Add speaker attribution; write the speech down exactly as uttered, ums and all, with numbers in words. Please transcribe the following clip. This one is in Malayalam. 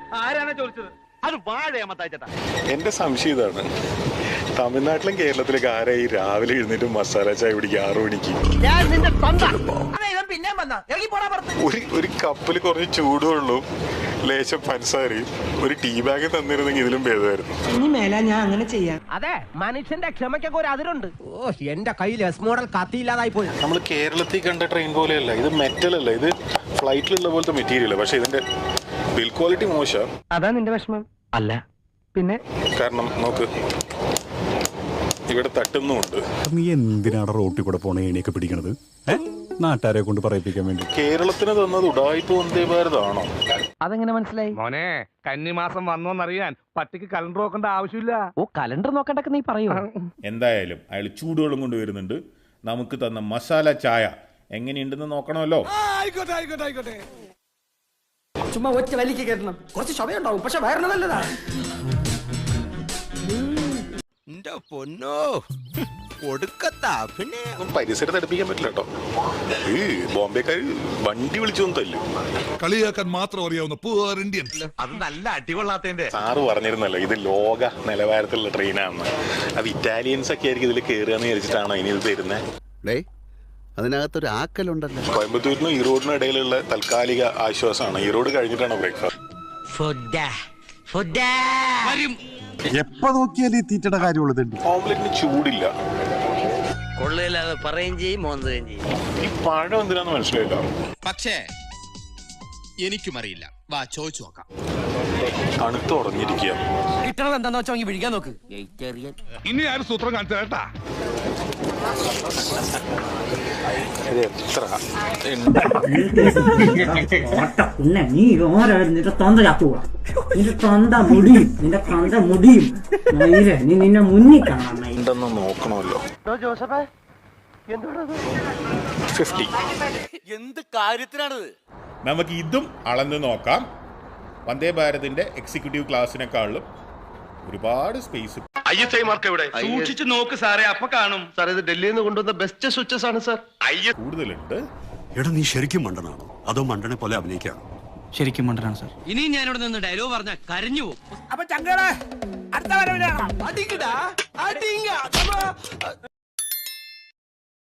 Speaker 1: ആരാണ് ചോദിച്ചത്? അത് വാഴയാമത്താച്ചേട്ടാ.
Speaker 2: എന്റെ സംശയം ഇതാണ്, തമിഴ്നാട്ടിലും കേരളത്തിലൊക്കെ ആരായി രാവിലെ എഴുന്നേറ്റ് മസാല ചായ കുടിക്കുക ആറു മണിക്ക്? ഒരു ഒരു കപ്പിൽ കുറച്ച് ചൂടുവെള്ളവും ലേശം പഞ്ചസാരയും ഒരു ടീ ബാഗ് തന്നിരുന്നെങ്കിൽ ഇതിലും ഭേദമായിരുന്നു.
Speaker 3: ഇനി മേല ഞാൻ അങ്ങനെ ചെയ്യാം.
Speaker 4: അതെ, മനുഷ്യന്റെ ക്ഷമയ്ക്കൊക്കെ ഒരു അതിരുണ്ട്. ഓ, എന്റെ കയ്യിൽ എസ് മോഡൽ കത്തിയില്ലാതായി പോയി.
Speaker 2: നമ്മൾ കേരളത്തിൽ കണ്ട ട്രെയിൻ പോലെയല്ല ഇത്, മെറ്റൽ അല്ല, ഇത് ഫ്ലൈറ്റിലുള്ള പോലത്തെ മെറ്റീരിയൽ. പക്ഷെ ഇതിന്റെ ബിൽ ക്വാളിറ്റി മോശം.
Speaker 3: അതാ നിന്റെ വിഷമം?
Speaker 4: അല്ല
Speaker 3: പിന്നെ
Speaker 2: കാരണം നോക്ക്, ഇവിടെ തട്ടുന്നുമുണ്ട്.
Speaker 5: നീ എന്തിനാണ് റോട്ടിൽ കൂടെ പോണ ഏണിയൊക്കെ പിടിക്കണത്? നാട്ടുകാരെ കൊണ്ട് പറയിപ്പിക്കാൻ വേണ്ടി.
Speaker 2: കേരളത്തിന് തന്നത് ഉഡായിപ്പ് വന്ദേ ഭാരതാണോ?
Speaker 3: അതെങ്ങനെ മനസ്സിലായി?
Speaker 1: മോനെ, കന്നിമാസം വന്നോന്നറിയാൻ പട്ടിക്ക് കലണ്ടർ നോക്കേണ്ട ആവശ്യമില്ല.
Speaker 3: ഓ, കലണ്ടർ നോക്കണ്ടൊക്കെ നീ പറയൂ.
Speaker 6: എന്തായാലും അയാൾ ചൂടുവെള്ളം കൊണ്ടുവരുന്നുണ്ട്. നമുക്ക് തന്ന മസാല ചായ എങ്ങനെയുണ്ടെന്ന് നോക്കണമല്ലോ.
Speaker 3: ചുമ്മാ ഒറ്റ വലിക്ക് കയറ്റണം, കുറച്ച് ശവയുണ്ടാവും, പക്ഷെ വയറിന് നല്ലതാ.
Speaker 7: പൊന്നോ കൊടുക്കത്താ. പിന്നെ
Speaker 2: പരിസരത്ത് അടുപ്പിക്കാൻ പറ്റില്ല കേട്ടോ. ഈ ബോംബെക്കാർ വണ്ടി വിളിച്ചൊന്നും തല്ലും.
Speaker 8: കളിയാക്കാൻ മാത്രം അറിയാവുന്ന പൂർ ഇന്ത്യൻ.
Speaker 7: അത് നല്ല അടികൊള്ളാത്തതിന്റെ.
Speaker 2: സാറ് പറഞ്ഞിരുന്നല്ലോ ഇത് ലോക നിലവാരത്തിലുള്ള ട്രെയിനാണെന്ന്. അത് ഇറ്റാലിയൻസ് ഒക്കെ ആയിരിക്കും ഇതിൽ കയറുകയെന്ന് വിചാരിച്ചിട്ടാണോ ഇനി ഇത് തരുന്നത്?
Speaker 7: അതിനകത്തൊരു ആക്കലുണ്ടല്ലോ.
Speaker 2: കോയമ്പത്തൂരിനും ഈറോഡിനും ഇടയിലുള്ള താൽക്കാലിക ആശ്വാസമാണ്. ഈറോഡ് കഴിഞ്ഞിട്ടാണ് ബ്രേക്ക്ഫാസ്റ്റ്.
Speaker 5: എപ്പോ നോക്കിയാലും ഈ തീറ്റയുടെ കാര്യമുള്ളത്.
Speaker 2: ഓംലെറ്റിന് ചൂടില്ല.
Speaker 4: കൊള്ളയില്ലാതെ പറയുകയും ചെയ്യും, മോന്തുകയും ചെയ്യും.
Speaker 2: ഈ പഴം എന്തിനാന്ന് മനസ്സിലായില്ല.
Speaker 7: പക്ഷേ എനിക്കും അറിയില്ല. വാ ചോദിച്ചു നോക്കാം.
Speaker 2: തണുത്ത് ഉറഞ്ഞിരിക്കുക.
Speaker 4: കിട്ടണത് എന്താന്ന് വെച്ചാൽ വിഴിക്കാൻ നോക്ക്.
Speaker 1: ഇനി ആരും സൂത്രം കാണിച്ചു കേട്ടാ.
Speaker 2: ഇത് എത്ര
Speaker 3: പിന്നെ നീ ഓരായിരുന്നു നിന്റെ തൊണ്ട ചത്തുക, നിന്റെ തൊണ്ട മുടിയും, നിന്റെ തൊണ്ട മുടിയും. നീ നിന്നെ മുന്നിൽ കാണാൻ
Speaker 2: ഉണ്ടെന്ന് നോക്കണമല്ലോ. ഫിഫ്റ്റി
Speaker 7: എന്ത് കാര്യത്തിനാണിത്?
Speaker 6: നമുക്ക് ഇതും അളന്ന് നോക്കാം. വന്ദേ ഭാരതിന്റെ എക്സിക്യൂട്ടീവ് ക്ലാസ്സിനെക്കാളും ഒരുപാട് space.
Speaker 1: I S I mark എവിടെ? സൂക്ഷിച്ചു നോക്ക് സാറേ, അപ്പൊ കാണും. സാർ, ഇത് ഡൽഹിയിൽ നിന്ന് കൊണ്ടുവന്ന ബെസ്റ്റ് സ്വിച്ചസ് ആണ് സാർ.
Speaker 6: കൂടുതലുണ്ട്.
Speaker 5: എടാ, നീ ശരിക്കും മണ്ടനാണോ അതോ മണ്ടനെ പോലെ അഭിനയിക്കാണോ?
Speaker 3: ശരിക്കും മണ്ടനാണ് സാർ.
Speaker 4: ഇനി ഞാനിവിടെ നിന്ന് ഡയലോഗ് പറഞ്ഞാൽ കരഞ്ഞു പോകും.
Speaker 7: അപ്പൊ ചങ്കട അടുത്ത വരവിലാണ്.